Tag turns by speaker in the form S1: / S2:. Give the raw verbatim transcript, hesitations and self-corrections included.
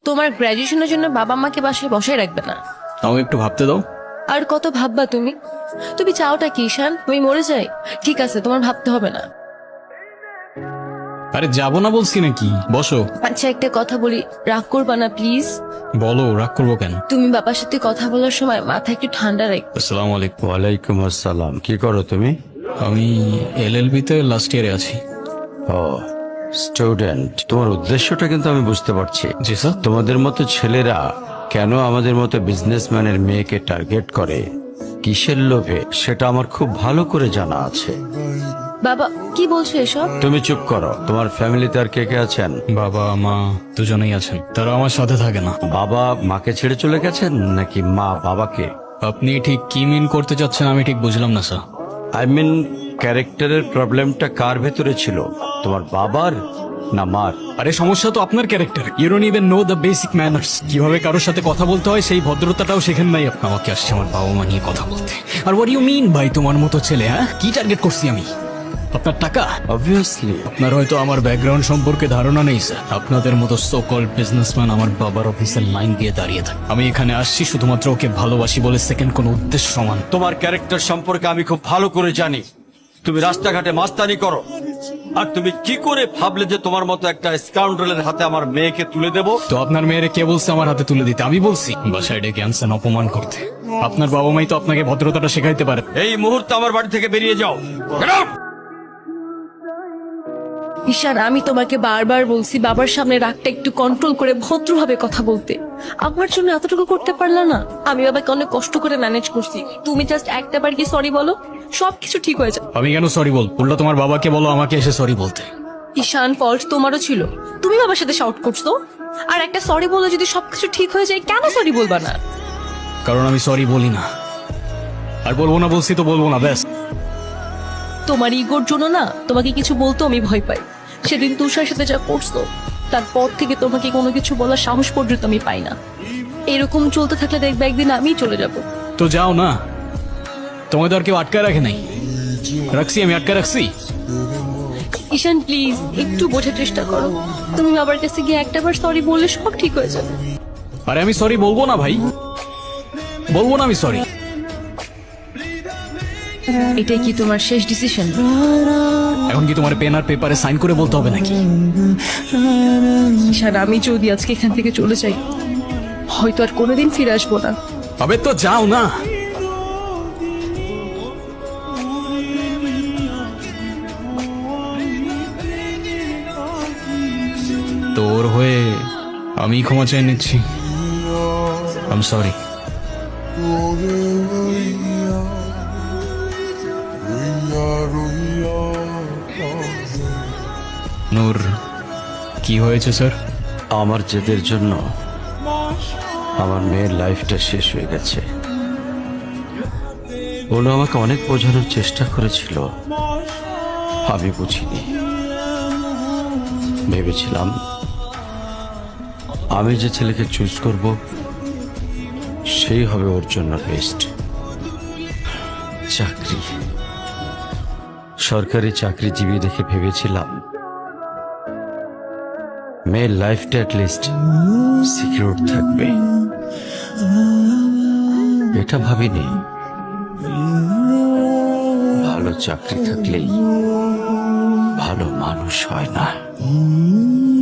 S1: তোমার গ্র্যাজুয়েশনের জন্য বাবা মাকে বাসায় বসায় রাখবে না।
S2: তাও একটু ভাবতে দাও।
S1: আর কত ভাববা তুমি? তুমি চাওটা কি ঈশান? আমি মরে যাই? ঠিক আছে, তোমার ভাবতে হবে না।
S2: আরে যাবো না বলছি নাকি, বসো।
S1: আচ্ছা একটা কথা বলি, রাগ করবা না প্লিজ।
S2: বলো, রাগ করবো কেন?
S1: তুমি বাবার সাথে কথা বলার সময় মাথা একটু ঠান্ডা রাখ।
S2: আসসালামু আলাইকুম।
S3: ওয়ালাইকুম আসসালাম। কি করো তুমি?
S2: আমি এল এল বি তে লাস্ট ইয়ারে আছি।
S3: ও স্টুডেন্ট, তোমার উদ্দেশ্যটা কিন্তু আমি বুঝতে পারছি।
S2: জি স্যার।
S3: তোমাদের মতো ছেলেরা কেন আমাদের মতো বিজনেসম্যানের মেয়েকে টার্গেট করে, কিসের লোভে, সেটা আমার খুব ভালো করে জানা আছে।
S1: বাবা কি বলছো এসব?
S3: তুমি চুপ করো। তোমার ফ্যামিলিতে আর কে কে আছেন?
S2: বাবা মা দুজনেই আছেন, তারা আমার সাথে থাকে না।
S3: বাবা মাকে ছেড়ে চলে গেছেন নাকি মা বাবাকে?
S2: আপনি ঠিক কি মিন করতে চাচ্ছেন আমি ঠিক বুঝলাম না স্যার।
S3: আই মিন ক্যারেক্টারের প্রবলেমটা কার ভেতরে ছিল, তোমার বাবার না মার?
S2: আরে সমস্যা তো আপনার character. You don't even know the basic manners. কিভাবে কারোর সাথে কথা বলতে হয় সেই ভদ্রতাটাও শেখেন নাই। আমাকে আসছে আমার বাবা মা নিয়ে কথা বলতে। আর হোয়াট ইউ মিন ভাই, তোমার মতো ছেলে? হ্যাঁ, কি টার্গেট করছি আমি? আপনার টাকা?
S3: অবভিয়াসলি।
S2: আপনার হয়তো আমার ব্যাকগ্রাউন্ড সম্পর্কে ধারণা নেই স্যার। আপনাদের মতো সো কল্ড বিজনেসম্যান আমার বাবার অফিসের লাইন দিয়ে দাঁড়িয়ে থাকে। আমি এখানে আসছি শুধুমাত্র ওকে ভালোবাসি বলে, সেকেন্ড কোনো উদ্দেশ্য সমান।
S3: তোমার ক্যারেক্টার সম্পর্কে আমি খুব ভালো করে জানি। তুমি রাস্তাঘাটে মাস্তানি করো, আর তুমি কি করে ভাবলে যে তোমার মতো একটা স্কাউন্ডারের হাতে আমার মেয়েকে তুলে দেব?
S2: তো আপনার মেয়েরে কে বলছে আমার হাতে তুলে দিতে? আমি বলছি? বাসায় ডেকে আনছেন অপমান করতে। আপনার বাবা মাই তো আপনাকে ভদ্রতাটা শেখাইতে পারে।
S3: এই মুহূর্তে আমার বাড়ি থেকে বেরিয়ে যাও। Get out!
S1: ঈশান আমি তোমাকে বারবার বলছি বাবার সামনে রাগটা একটু কন্ট্রোল করে ভদ্রভাবে কথা বলতে। আমার জন্য এতটুকু করতে পারলা না? আমি বাবাকে অনেক কষ্ট করে ম্যানেজ করছি। তুমি জাস্ট একটা বার কি সরি বলো, সবকিছু ঠিক হয়ে যায়।
S2: আমি কেন সরি বল? উল্টা তোমার বাবাকে বলো আমাকে এসে সরি বলতে।
S1: ঈশান ফল্ট তোমারও ছিল, তুমি বাবার সাথে শাউট করছো। আর একটা সরি বলে যদি সবকিছু ঠিক হয়ে যায়, কেন সরি বলবা না?
S2: কারণ আমি সরি বলি না, আর বলবো না। বলছি তো বলবো না, ব্যাস।
S1: তোমার ইগোর জন্য না তোমাকে কিছু বলতে আমি ভয় পাই। সেদিন তুষার সাথে যা করছো, তারপর থেকে তোমাকে কোনো কিছু বলার সাহস পর্যন্ত আমি পাই না। এরকম চলতে থাকলে দেখবে একদিন আমিই চলে যাব।
S2: তো যাও না, তোমায় তো আর কেউ আটকায় রাখে নাই। রাখছি, আমি আটকায় রাখছি।
S1: ঈশান প্লিজ একটু বোঝার চেষ্টা করো। তুমি বাবার কাছে গিয়ে একটাবার সরি বললে সব ঠিক হয়ে যাবে।
S2: আরে আমি সরি বলবো না ভাই, বলবো না আমি সরি।
S1: এটাই কি তোমার শেষ ডিসিশন?
S2: এখন কি তোমার পেন আর পেপারে সাইন করে বলতে হবে নাকি?
S1: ঈশান আমি যদি আজকে এখান থেকে চলে যাই, হয়তো আর কোনোদিন ফিরে আসবো না।
S2: আবে তো যাও না। তোর হয়ে আমি ক্ষমা চেয়ে নিচ্ছি। I am sorry. নূর, কি হয়েছে স্যার?
S3: আমার জেদের জন্য আমার মেয়ের লাইফটা শেষ হয়ে গেছে। ওরা আমাকে অনেক বোঝানোর চেষ্টা করেছিল, আমি বুঝিনি। ভেবেছিলাম আমি যে ছেলেকে চুজ করব সেই হবে ওর জন্য বেস্ট। চাকরি, সরকারি চাকরিজীবী দেখে ভেবেছিলাম মেয়ের লাইফটা অ্যাটলিস্ট সিকিউর থাকবে। এটা ভাবিনি ভালো চাকরি থাকলেই ভালো মানুষ হয় না।